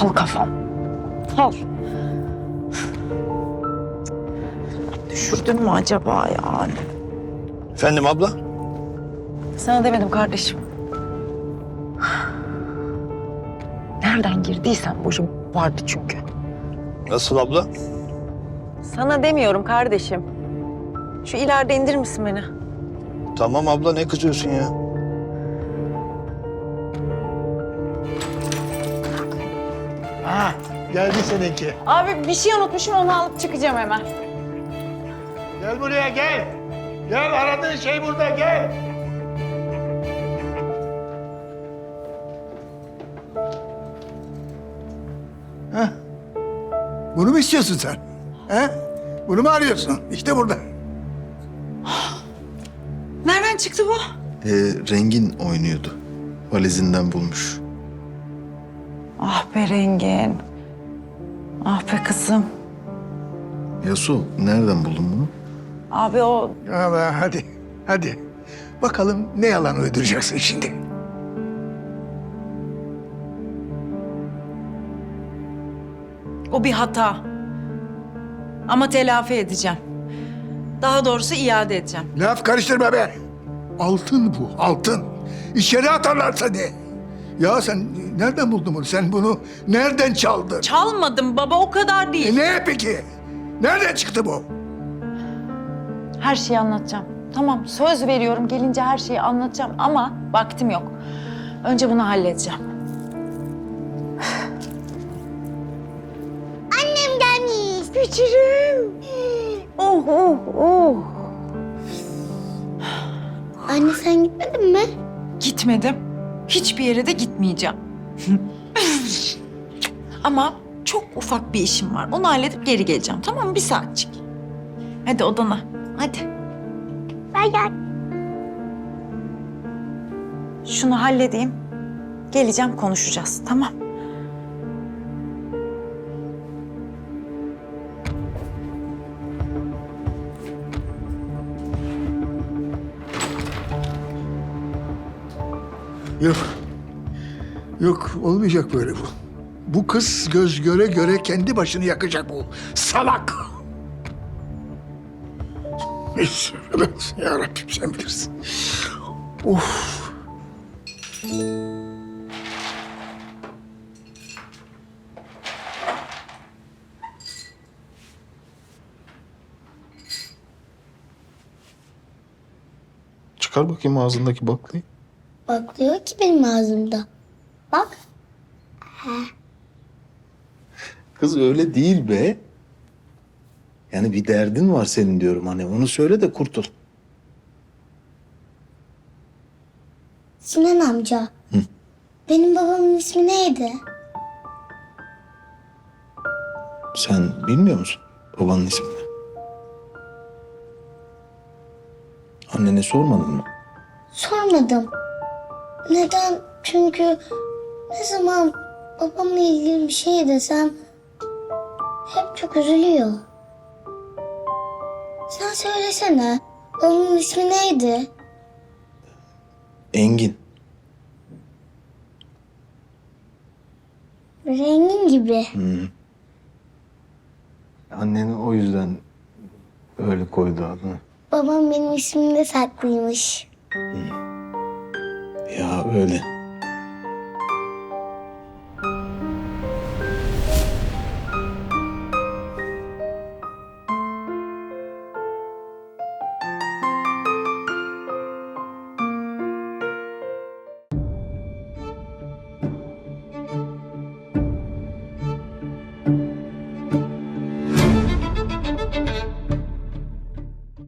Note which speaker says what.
Speaker 1: Aptal kafam. Al. Düşürdün mü acaba yani?
Speaker 2: Efendim abla?
Speaker 1: Sana demedim kardeşim. Nereden girdiysen boşum vardı çünkü.
Speaker 2: Nasıl abla?
Speaker 1: Sana demiyorum kardeşim. Şu ileride indir misin beni?
Speaker 2: Tamam abla, ne kızıyorsun ya?
Speaker 3: Ha, geldi seninki.
Speaker 1: Abi bir şey unutmuşum, onu alıp çıkacağım hemen.
Speaker 3: Gel buraya gel. Gel, aradığın şey burada, gel. Heh. Bunu mu istiyorsun sen? He? Bunu mu arıyorsun? İşte burada.
Speaker 1: Nereden çıktı bu?
Speaker 4: Rengin oynuyordu. Valizinden bulmuş.
Speaker 1: Ah be Rengin. Ah be kızım.
Speaker 4: Yasu, nereden buldun bunu?
Speaker 1: Abi o
Speaker 3: Allah, hadi, hadi. Bakalım ne yalan uyduracaksın şimdi.
Speaker 5: O bir hata. Ama telafi edeceğim. Daha doğrusu iade edeceğim.
Speaker 3: Laf karıştırma be. Altın bu, altın. İçeri atarlar seni. Ya sen nereden buldun bunu? Sen bunu nereden çaldın?
Speaker 5: Çalmadım baba, o kadar değil.
Speaker 3: Ne peki? Nereden çıktı bu?
Speaker 1: her şeyi anlatacağım. Tamam, söz veriyorum, gelince her şeyi anlatacağım ama vaktim yok. Önce bunu halledeceğim.
Speaker 6: Annem gelmiş.
Speaker 1: Güçürüm. Oh oh oh.
Speaker 6: Anne sen gitmedin mi?
Speaker 5: Gitmedim. Hiçbir yere de gitmeyeceğim. Ama çok ufak bir işim var. Onu halledip geri geleceğim. Tamam mı? Bir saatçik. Hadi odana. Hadi.
Speaker 6: Ben gel.
Speaker 1: Şunu halledeyim. Geleceğim, konuşacağız. Tamam.
Speaker 3: Yok. Yok, olmayacak böyle bu. Bu kız göz göre göre kendi başını yakacak bu. Salak! Neyse, ya Rabbim sen bilirsin. Of!
Speaker 4: Çıkar bakayım ağzındaki baklayı.
Speaker 6: Bakıyor ki benim ağzımda. Bak.
Speaker 4: Kız öyle değil be. Yani bir derdin var senin diyorum, hani onu söyle de kurtul.
Speaker 6: Sinan amca. Benim babamın ismi neydi?
Speaker 4: Sen bilmiyor musun babanın ismini? Annene sormadın mı?
Speaker 6: Sormadım. Neden? Çünkü ne zaman babamla ilgili bir şey desem hep çok üzülüyor. Sen söylesene. Babamın ismi neydi?
Speaker 4: Engin.
Speaker 6: Rengin gibi.
Speaker 4: Anneni o yüzden öyle koydu adını.
Speaker 6: Babam benim ismimde saklıymış.
Speaker 4: Ya öyle.